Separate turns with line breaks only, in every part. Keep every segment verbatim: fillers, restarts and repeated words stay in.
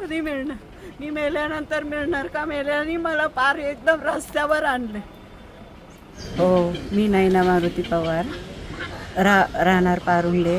कधी मिळणार? मी मेल्यानंतर मिळणार का? मेल्याने मला पार एकदम रस्त्यावर आणले.
हो, मी नैना मारुती पवार, रा राहणार पारुंडे.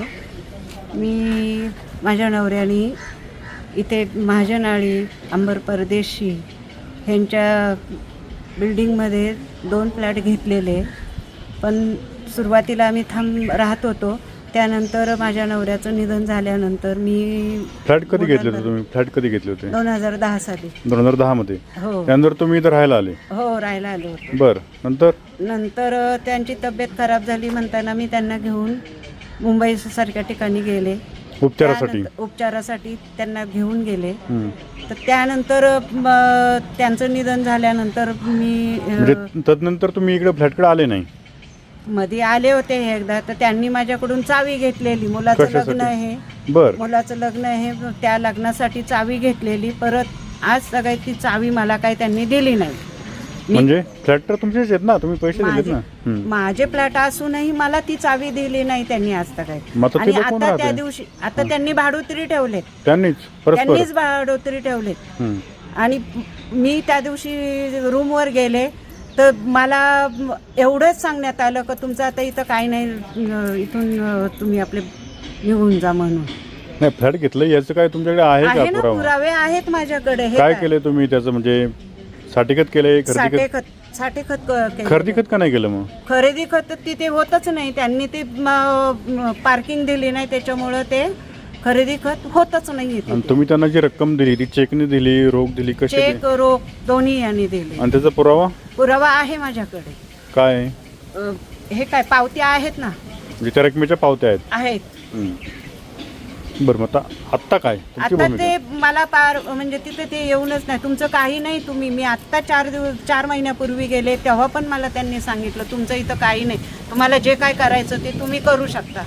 मी माझ्या नवऱ्याने इथे महाजनाळी अंबर परदेशी ह्यांच्या बिल्डिंगमध्ये दोन फ्लॅट घेतलेले, पण सुरुवातीला आम्ही थांब राहत होतो. त्यानंतर माझ्या नवऱ्याचं निधन झाल्यानंतर मी
फ्लॅट कधी घेतले होते तुम्ही? फ्लॅट कधी घेतले होते?
दोन हजार दहा साली.
दोन हजार दहा मध्ये.
हो
त्यानंतर तुम्ही इथं राहायला आले?
हो राहायला आलो होतो.
बर, नंतर
नंतर त्यांची तब्येत खराब झाली म्हणताना मी त्यांना घेऊन मुंबई सारख्या ठिकाणी गेले
उपचारासाठी.
त्यानंतर- उपचारासाठी त्यांना घेऊन गेले.
हम्म.
तर त्यानंतर म, त्यांचं निधन झाल्यानंतर मी
म्हणजे
अ,
तदनंतर तुम्ही इकडे फ्लॅटकडे आले नाही?
मध्ये आले होते एकदा. तर त्यांनी माझ्याकडून चावी घेतलेली. मुलाचं
कशासाठी?
लग्न आहे,
बर.
मुलाचं लग्न आहे, त्या लग्नासाठी चावी घेतलेली. परत आज सगळी ती चावी मला काही त्यांनी दिली नाही. मी-
म्हणजे फ्लॅट तर तुमचेच आहेत ना, तुम्ही पैसे दिलेत
माझे
ना. हम्म.
माझे फ्लॅट असूनही मला ती चावी दिली नाही त्यांनी आज तक.
मग आता
आणि
तिथं कोण
आता त्या
राहते?
दिवशी आता त्यांनी भाडोत्री ठेवलेत.
त्यांनीच परस्पर?
त्यांनीच भाडोत्री ठेवलेत.
हम्म.
आणि मी त्या दिवशी रूमवर गेले तर मला एवढंच सांगण्यात आलं की तुमचं आता इथं काही नाही, अं, इथून अं, तुम्ही आपले निघून जा म्हणून.
नाही, फ्लॅट घेतलं याचं काय तुमच्याकडे आहे
आहे
का
ना,
पुरावा?
पुरावे आहेत माझ्याकडे. हे
काय केलंय तुम्ही त्याचं? म्हणजे साठे खत केलंय? खरेदी
साठे
खत?
खत साठे खत क- केलं.
खरेदी खत का नाही केलं मग?
खरेदी खत तिथे होतच नाही. त्यांनी ते पार्किंग दिली नाही, त्याच्यामुळं ते खरेदी खत होतच नाही.
आणि तुम्ही त्यांना जी रक्कम दिली ती चेकने दिली, रोख दिली, कशी दिली?
चेक रोख दोन्ही यांनी दिले.
आणि त्याचा पुरावा
पुरावा आहे माझ्याकडे.
काय आहे?
अ, हे काय पावत्या आहेत ना?
म्हणजे त्या रकमेच्या पावत्या आहेत?
आहेत.
हम्म. बरं, मग आता आत्ता काय तुमची
आता
भूमिका?
ते मला पार म्हणजे तिथे ते येऊनच नाही. तुमचं काही नाही, तुम्ही मी आत्ता चार दिवस चार महिन्यापूर्वी गेले तेव्हा पण मला त्यांनी सांगितलं तुमचं इथं काही नाही, तुम्हाला जे काय करायचं ते तुम्ही करू शकता.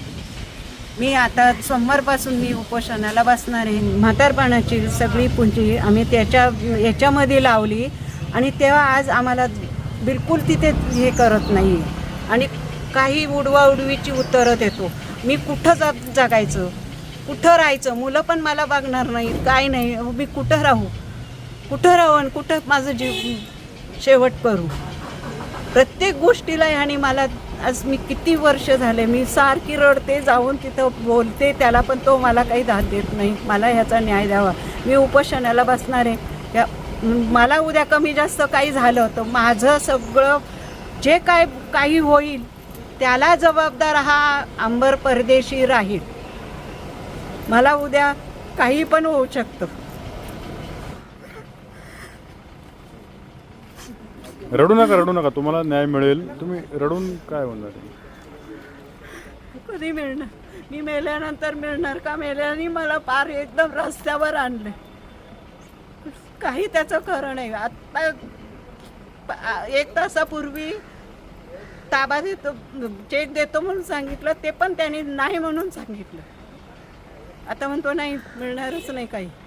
मी आता सोमवारपासून मी उपोषणाला बसणार आहे. म्हातारपणाची सगळी पुंजी आम्ही त्याच्या याच्यामध्ये लावली आणि तेव्हा आज आम्हाला बिलकुल तिथे हे करत नाही. आणि काही उडवाउडवीची उत्तरं देतो. मी कुठं जा जगायचं, कुठं राहायचं? मुलं पण मला बघणार नाही, काय नाही. मी कुठं राहू, कुठं राहू आणि कुठं माझं जीव शेवट करू? प्रत्येक गोष्टीला ह्याने मला आज मी किती वर्ष झाले मी सारखी रडते, जाऊन तिथं बोलते त्याला, पण तो मला काही दाद देत नाही. मला ह्याचा न्याय द्यावा. मी उपोषणाला बसणार आहे. या मला उद्या कमी जास्त काही झालं तर माझं सगळं जे काय काही होईल त्याला जबाबदार हा अंबर परदेशी राहील. मला उद्या काही पण होऊ शकतं.
रडू नका, रडू नका, तुम्हाला न्याय मिळेल. तुम्ही रडून काय होणार?
कधी मिळणार? मी मेल्यानंतर मिळणार का? मेल्याने मला पार एकदम रस्त्यावर आणले. काही त्याचं खरं नाही. आता एक तासापूर्वी ताबा देतो, चेक देतो म्हणून सांगितलं, ते पण त्यांनी नाही म्हणून सांगितलं. आता म्हणतो नाही, मिळणारच नाही काही.